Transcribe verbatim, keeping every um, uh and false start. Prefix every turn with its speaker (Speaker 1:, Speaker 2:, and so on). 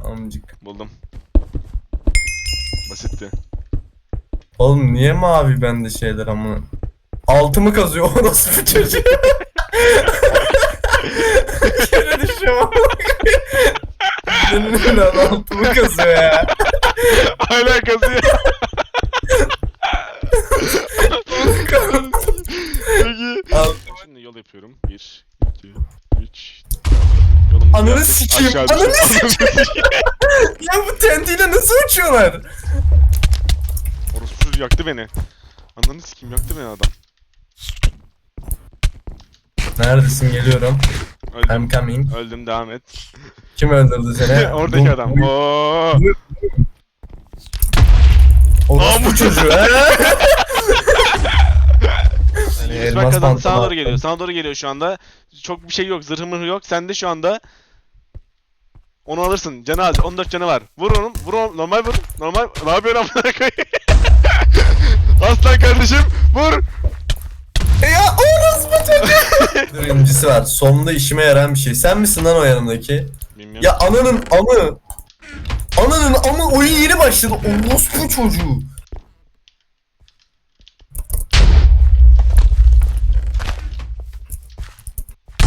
Speaker 1: Amcık.
Speaker 2: Buldum. Basitti.
Speaker 1: Oğlum niye mavi bende şeyler ama? Altımı kazıyor orası bu çocuğu. Yere düşüyorum. Benim lan altımı kazıyor ya.
Speaker 2: Hala kazıyor. Peki.
Speaker 1: Al.
Speaker 2: Şimdi yol yapıyorum. Bir, iki, üç. Yolum
Speaker 1: Ananı
Speaker 2: yaptım.
Speaker 1: sikeyim,
Speaker 2: Aşağı
Speaker 1: ananı
Speaker 2: düştüm.
Speaker 1: Ya bu tentiyle nasıl uçuyorlar?
Speaker 2: Orospu çocuğu yaktı beni. Ananı sikeyim, yaktı beni adam.
Speaker 1: Neredesin, geliyorum.
Speaker 2: Öldüm.
Speaker 1: I'm coming.
Speaker 2: Öldüm, devam et.
Speaker 1: Kim öldürdü seni?
Speaker 2: Oradaki
Speaker 1: Bu-
Speaker 2: adam.
Speaker 1: bu-
Speaker 2: Oo.
Speaker 1: Orospu çocuğu he? Hani
Speaker 2: Yusuf
Speaker 1: elmas
Speaker 2: kazandı,
Speaker 1: pantolon
Speaker 2: sana doğru
Speaker 1: attım.
Speaker 2: geliyor. Sana doğru geliyor şu anda. Çok bir şey yok, zırhı mırhı yok. Sende şu anda. Onu alırsın. Canı az. on dört canı var. Vur onu. Vur onu. Normal vur. Normal. Ne yapıyorsun amına koyayım? Aslan kardeşim. Vur.
Speaker 1: Ya orospu çocuğu. Birincisi var. Sonunda işime yarayan bir şey. Sen misin lan o yanımdaki?
Speaker 2: Bilmiyorum.
Speaker 1: Ya ananın amı. Ananın amı oyun yeni başladı. Orospu çocuğu.